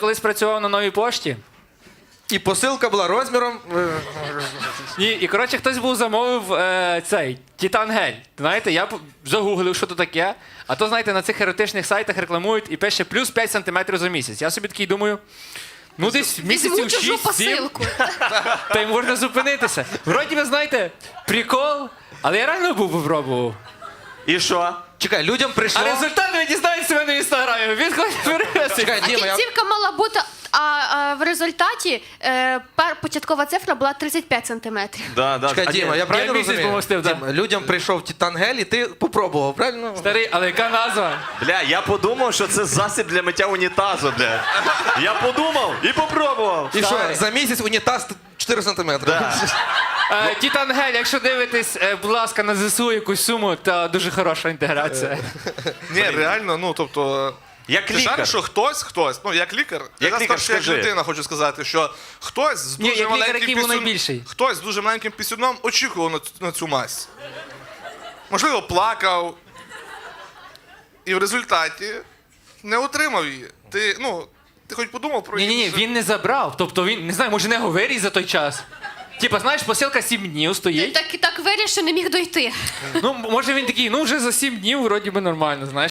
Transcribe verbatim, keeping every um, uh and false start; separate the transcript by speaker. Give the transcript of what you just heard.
Speaker 1: колись працював на Новій пошті.
Speaker 2: І посилка була розміром. е,
Speaker 1: І, і коротше, хтось був замовив е, цей Титан-гель. Знаєте, я п- загуглив, що то таке. А то, знаєте, на цих еротичних сайтах рекламують і пише плюс п'ять сантиметрів за місяць. Я собі такий думаю, ну десь
Speaker 3: Візьму
Speaker 1: місяців
Speaker 3: чужу
Speaker 1: шість-сім,
Speaker 3: посилку.
Speaker 1: та й можна зупинитися. Вроді ви знаєте, прикол, але я реально був попробував.
Speaker 4: І що?
Speaker 2: Чекай, людям прийшло.
Speaker 1: А результат ви дізнаєтеся в мене в інстаграмі. Відходь вперед.
Speaker 2: Чекай, Діма, я...
Speaker 3: Кінцівка мала бути, а, а в результаті е, пер, початкова цифра була тридцять п'ять сантиметрів.
Speaker 4: Да, да.
Speaker 2: Чекай,
Speaker 4: А ні,
Speaker 2: Діма, я правильно
Speaker 1: місяць
Speaker 2: розумію?
Speaker 1: помостив, да.
Speaker 2: Діма, людям прийшов Титан-гель, і ти попробував, правильно?
Speaker 1: Старий, але яка назва?
Speaker 4: Бля, я подумав, що це засіб для миття унітазу, бля. Я подумав і попробував.
Speaker 2: І що,
Speaker 1: Старий.
Speaker 2: за місяць унітаз чотири сантиметри?
Speaker 4: Да.
Speaker 1: Е, Титан-гель, якщо дивитесь, е, будь ласка, на ЗСУ якусь суму, то дуже хороша інтеграція.
Speaker 5: Ні, реально, ну тобто.
Speaker 4: Як
Speaker 5: Ти
Speaker 4: лікар.
Speaker 5: шариш, що хтось, хтось, ну як лікар,
Speaker 4: Як
Speaker 5: я
Speaker 4: лікар,
Speaker 5: скажу, як
Speaker 4: скажи.
Speaker 5: людина хочу сказати, що хтось з
Speaker 1: Ні,
Speaker 5: дуже
Speaker 1: як лікар,
Speaker 5: маленьким
Speaker 1: який був
Speaker 5: пісюн-
Speaker 1: найбільший.
Speaker 5: хтось з дуже маленьким пісюном очікував на, цю- на цю мазь. Можливо, плакав. І в результаті не отримав її. Ти, ну, ти хоч подумав про
Speaker 1: Ні, ні, ні,
Speaker 5: інше?
Speaker 1: він не забрав. Тобто він, не знаю, може не його виріс за той час. Типа, знаєш, посилка сім днів стоїть.
Speaker 3: Так, так виріс, що не міг дойти.
Speaker 1: Ну, може він такий, ну вже за сім днів вроді би нормально, знаєш.